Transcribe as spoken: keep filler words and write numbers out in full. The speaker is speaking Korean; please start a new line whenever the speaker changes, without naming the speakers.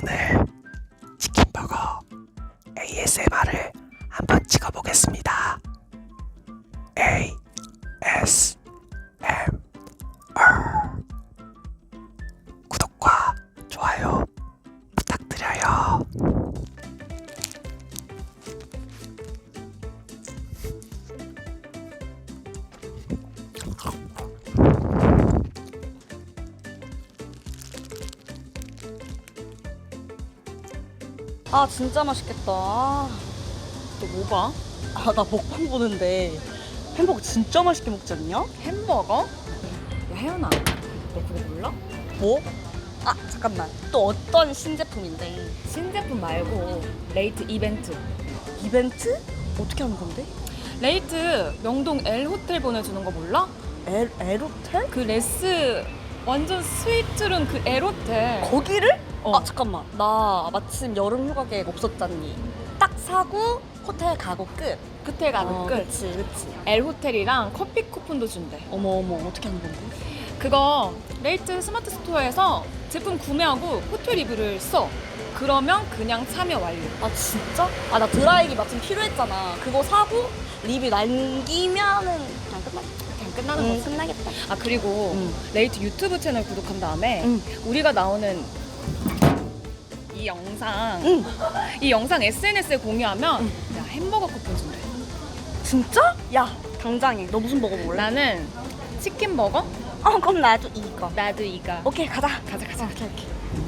오늘 치킨버거 에이에스엠알을 한번 찍어보겠습니다. 에이 에스 엠 알 구독과 좋아요 부탁드려요.
아 진짜 맛있겠다. 아,
너 뭐 봐?
아, 나 먹방 보는데 햄버거 진짜 맛있게 먹지 않냐?
햄버거? 야 혜연아, 너 그거 몰라?
뭐? 아 잠깐만, 또 어떤 신제품인데?
신제품 말고 레이트 이벤트.
이벤트? 어떻게 하는 건데?
레이트 명동 L 호텔 보내주는 거 몰라?
에, 에로텔?
그 레스 완전 스위트룸 그 L 호텔.
거기를?
어.
아 잠깐만, 나 마침 여름 휴가 계획 없었잖니. 딱 사고 호텔 가고 끝.
호텔 가는
어,
끝.
그치 그치.
L 호텔이랑 커피 쿠폰도 준대.
어머 어머, 어떻게 하는 건데?
그거 레이트 스마트 스토어에서 제품 구매하고 호텔 리뷰를 써. 그러면 그냥 참여 완료.
아 진짜? 아 나 드라이기 마침 필요했잖아. 그거 사고 리뷰 남기면은 그냥 끝나겠다.
그냥 끝나는
응,
거지.
끝나겠다.
아 그리고
응.
레이트 유튜브 채널 구독한 다음에
응.
우리가 나오는 이 영상
응.
이 영상 에스엔에스에 공유하면 야 햄버거 쿠폰 준대.
진짜? 야 당장에. 너 무슨 버거 먹을래?
나는 치킨 버거.
어 그럼 나도 이거.
나도 이거.
오케이 가자.
가자 가자.
오케이 오케이.